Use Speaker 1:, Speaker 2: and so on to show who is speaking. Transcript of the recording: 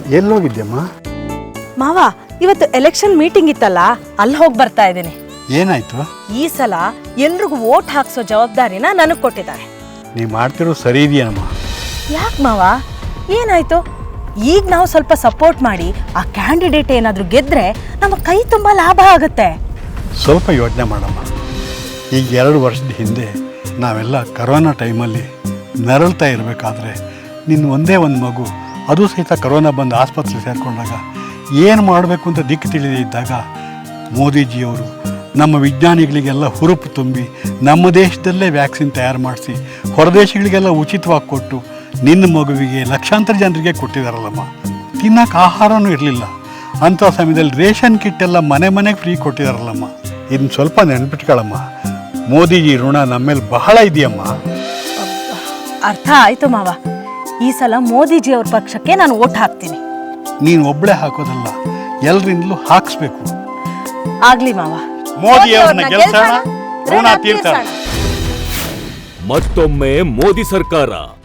Speaker 1: ಎಲ್ಲೋಗಿದ್ಯಮ್ಮ?
Speaker 2: ಮಾವ, ಇವತ್ತು election meeting ಇತ್ತಲ್ಲ, ಅಲ್ಲಿ ಹೋಗಿ ಬರ್ತಾ ಇದ್ದೀನಿ.
Speaker 1: ಏನಾಯ್ತು?
Speaker 2: ಈ ಸಲ ಎಲ್ರಿಗೂ ವೋಟ್ ಹಾಕ್ಸೋ ಜವಾಬ್ದಾರಿನ ನನಗೆ ಕೊಟ್ಟಿದ್ದಾರೆ.
Speaker 1: ನೀ ಮಾಡ್ತಿರೋ ಸರಿ ಇದೆಯಮ್ಮ.
Speaker 2: ಯಾಕೆ ಮಾವ, ಏನಾಯ್ತು? ಈಗ ನಾವು ಸ್ವಲ್ಪ ಸಪೋರ್ಟ್ ಮಾಡಿ ಆ ಕ್ಯಾಂಡಿಡೇಟ್ ಏನಾದರೂ ಗೆದ್ರೆ ನಮ್ಮ ಕೈ ತುಂಬ ಲಾಭ ಆಗುತ್ತೆ.
Speaker 1: ಸ್ವಲ್ಪ ಯೋಚನೆ ಮಾಡಮ್ಮ. ಈಗ 2 ವರ್ಷದ ಹಿಂದೆ ನಾವೆಲ್ಲ ಕರೋನಾ ಟೈಮಲ್ಲಿ ನರಳ್ತಾ ಇರಬೇಕಾದ್ರೆ ನಿನ್ನ ಒಂದೇ ಒಂದು ಮಗು, ಅದು ಸಹಿತ ಕರೋನಾ ಬಂದು ಆಸ್ಪತ್ರೆಗೆ ಸೇರಿಕೊಂಡಾಗ ಏನು ಮಾಡಬೇಕು ಅಂತ ದಿಕ್ಕು ತಿಳಿದೇ ಇದ್ದಾಗ ಮೋದಿಜಿಯವರು ನಮ್ಮ ವಿಜ್ಞಾನಿಗಳಿಗೆಲ್ಲ ಹುರುಪು ತುಂಬಿ ನಮ್ಮ ದೇಶದಲ್ಲೇ ವ್ಯಾಕ್ಸಿನ್ ತಯಾರು ಮಾಡಿಸಿ ಹೊರದೇಶಗಳಿಗೆಲ್ಲ ಉಚಿತವಾಗಿ ಕೊಟ್ಟು ನಿನ್ನ ಮಗುವಿಗೆ ಲಕ್ಷಾಂತರ ಜನರಿಗೆ ಕೊಟ್ಟಿದ್ದಾರಲ್ಲಮ್ಮ. ತಿನ್ನೋಕೆ ಆಹಾರನೂ ಇರಲಿಲ್ಲ. ಅಂಥ ಸಮಯದಲ್ಲಿ ರೇಷನ್ ಕಿಟ್ ಎಲ್ಲ ಮನೆ ಮನೆಗೆ ಫ್ರೀ ಕೊಟ್ಟಿದ್ದಾರಲ್ಲಮ್ಮ. ಇದನ್ನ ಸ್ವಲ್ಪ ನೆನ್ಪಿಟ್ಕೊಳ್ಳಮ್ಮ. ಮೋದಿಜಿ ಋಣ ನಮ್ಮ ಮೇಲೆ ಬಹಳ ಇದೆಯಮ್ಮ.
Speaker 2: ಅರ್ಥ ಆಯ್ತು ಮಾವ. ಈ ಸಲ ಮೋದಿಜಿ ಅವ್ರ ಪಕ್ಷಕ್ಕೆ ನಾನು ವೋಟ್ ಹಾಕ್ತೀನಿ.
Speaker 1: ನೀನು ಒಬ್ಬಳೇ ಹಾಕೋದಲ್ಲ, ಎಲ್ಲರಿಂದಲೂ ಹಾಕಿಸ್ಬೇಕು.
Speaker 2: ಆಗ್ಲಿ ಮಾವ.
Speaker 1: ಮೋದಿಯವ್ರನ್ನ ಗೆಲ್ಸೋಣ, ಋಣ ತೀರ್ಸೋಣ.
Speaker 3: ಮತ್ತೊಮ್ಮೆ ಮೋದಿ ಸರ್ಕಾರ.